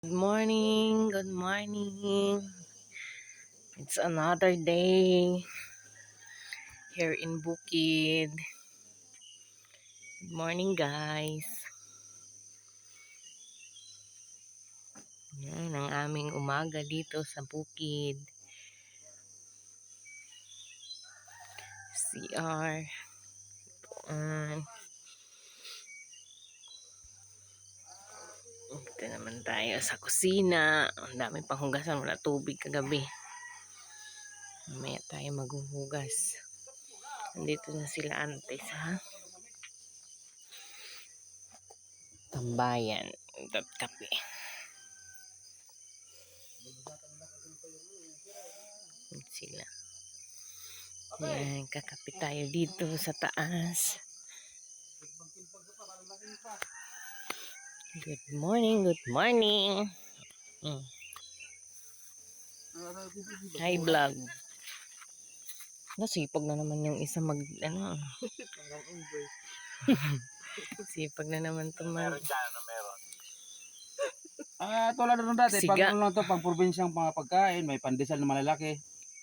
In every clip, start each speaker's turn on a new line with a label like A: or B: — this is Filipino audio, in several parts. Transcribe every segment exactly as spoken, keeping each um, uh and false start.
A: Good morning, good morning. It's another day here in Bukid. Good morning, guys. Yan ang aming umaga dito sa Bukid. C R. Um, Dito naman tayo sa kusina. Ang daming panghugasan. Wala tubig kagabi. Mamaya tayo maghuhugas. Nandito na sila ante sa tambayan. Kape. Sila. Yan, kakape tayo dito sa taas. Good morning, good morning. Mm. Hi vlog. Nasipag na naman yung isa mag ano. Sipag na naman to mag.
B: Ah, tulad na dati,
A: Siga.
B: pag ano lang to, pang probinsyang mga pagkain, may pandesal na malalaki.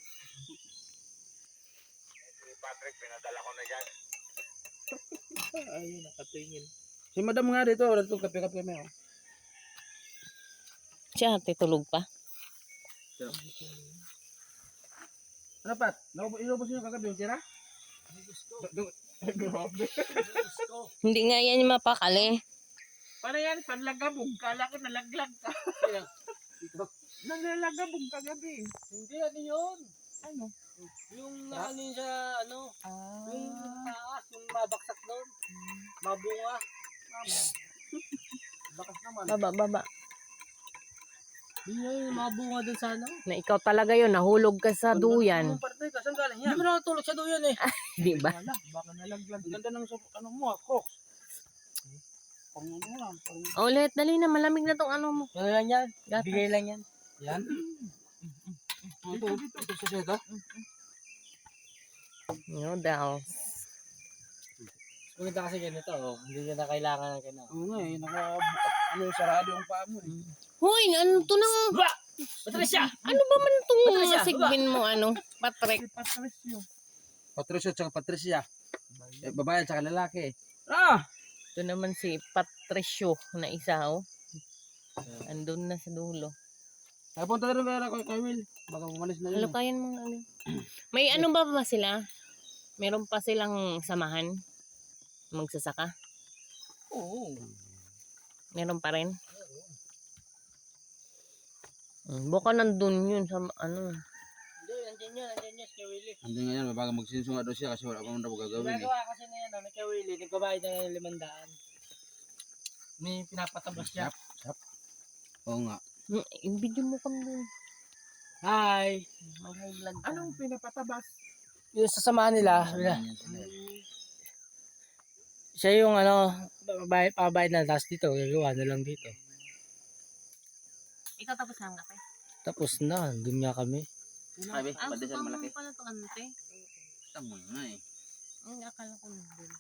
C: Patrick, pinadala ko na dyan.
B: Ayun, nakatingin. Si madam nga dito, wala itong kape-kape may oh.
A: Siya, tulog pa.
B: Ano pat? Inubos niyo kagabi yung tira? Grabe.
A: Hindi nga yan yung mapakali.
B: Para yan, panlagabog. Kala ko nalaglag ka. Nalalagabog kagabi.
C: Hindi, ano yun?
B: Ano?
C: Yung ano yun sa, ano,
B: Ah.
C: yung taas, yung mabaksak doon. Mabunga.
B: Bakas naman.
A: Baba, baba.
C: Yun yung mabunga doon sa ano.
A: Na ikaw talaga yun, nahulog ka sa duyan.
B: Anong parte ka? Saan galing
C: Hindi
B: yan?
C: mo nakatulog sa duyan eh.
A: Di ba?
B: Wala, baka nalaglag. Ganda ng sa- ano mo ah, Crocs. Pang ano lang, pang...
A: Ulit, dali na, malamig na tong ano mo.
C: Ano lang yan?
A: Gatas.
C: Bigay lang yan.
B: Yan? Ito, ito, ito sa seta.
A: Noodles.
C: Maganda kasi ganito, oh. Hindi na kailangan ng ganito.
B: Oo nga eh, naka, ano, sarado ang paa mo eh.
A: Hoy, ano to nang...
C: Ba! Patricia!
A: Ano ba man itong
C: Patricia,
A: sigbin mo, ano? Patrick.
B: Si Patricio. Patricio tsaka Patricia. Eh, babae tsaka lalaki. Ah!
A: Ito naman si Patricio na isa, oh. Andun na sa dulo.
B: Napunta na rin kaya kay kay Will. Baka umalis na yun.
A: Halo, kayan mo ano. May ano ba ba sila? Meron pa silang samahan? Magsasaka?
B: Oo.
A: Meron pa rin? Hmm, baka nandun yun sa ano.
C: Hindi, nandiyan yun, nandiyan yun, si Willie.
B: Hindi nga yan, baka magsisunga daw siya kasi wala pang daw gagawin eh.
C: Ginagawa kasi na yan, ano, kay Willie, nagbabayad na ng limandaan. May pinapatabas siya.
B: Sap, sap. Oo nga.
A: Hmm, yung video mo kami dun.
C: Hi!
A: Mag-high vlog ka.
B: Anong pinapatabas?
C: Yung sasamahan nila,
B: Ganyan sila eh.
C: siya yung ano, babayad, pabayad na, tapos dito, gagawa na lang dito.
A: Ikaw tapos na ang kape?
C: Tapos na, dun nga kami.
B: Sabi,
A: Ah,
B: pandesal
A: gusto mo
B: malaki.
A: pala ito ante?
B: Tama nga eh.
A: Ang akala ko nandun.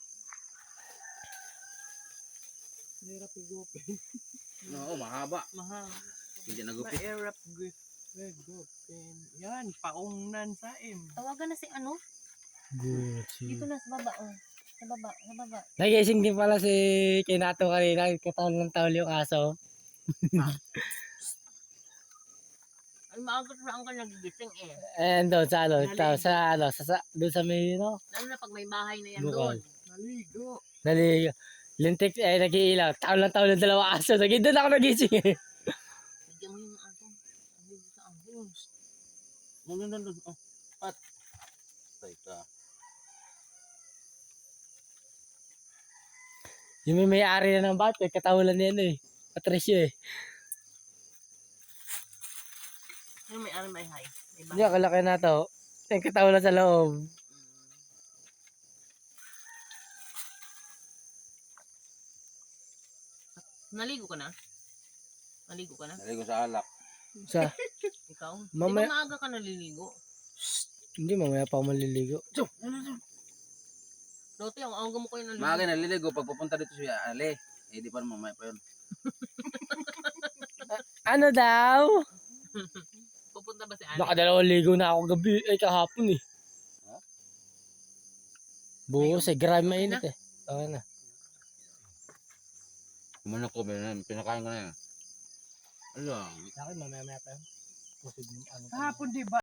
B: Hirap igupin. Oo, mahaba.
A: Mahal.
B: Hindi nagupit.
A: Mahirap grip.
B: Igupin. Yan, paungnan sa im.
A: Tawagan na si ano? Dito na sa baba, oh. Sa baba, sa baba.
C: Nagising din pala si Kinato kanina, katawan ng tawal yung aso.
A: Ay, maaga saan ka nagigising eh.
C: And doon sa ano, sa, sa ano, sa, sa doon sa may, no,
A: Lalo na pag may bahay na yan
C: Bukal.
A: doon.
B: Naligo.
C: nali, lintik, eh, nag-iilaw, tawal ng tawal ng dalawa aso, naging doon ako nagising eh.
A: Bigyan mo yung aso. Ang sa aso.
B: Nandun, nandun. Oh, pat. Teka.
C: Yung may may-ari na ng bata, katawalan niya ano eh, Patricio eh.
A: Yung may ano may high. May
C: Hindi, kalaki na to, yung katawalan sa loob.
A: Mm. Naligo ka na? Naligo ka na?
B: Naligo sa alak.
C: Sa,
A: Ikaw? Di
C: Mamaya-
A: ba maaga ka naliligo?
C: hindi, mamaya pa ako maliligo.
A: Dati ang aga mo kayo naliligo.
B: Maaga naliligo pag pupunta dito si Ale. Eh di pa naman mamaya pa yun.
C: Ano daw?
A: Pupunta ba si Alex?
C: Nakadalawang ligo na ako gabi, ay kahapon eh. Buhos eh, grabe mainit eh. Okay na.
B: Kumanak ko, pinakain ko na yan. Ano?
C: Sa akin, mamaya-maya pa yun. Pusog yung ano.
D: Kahapon di ba?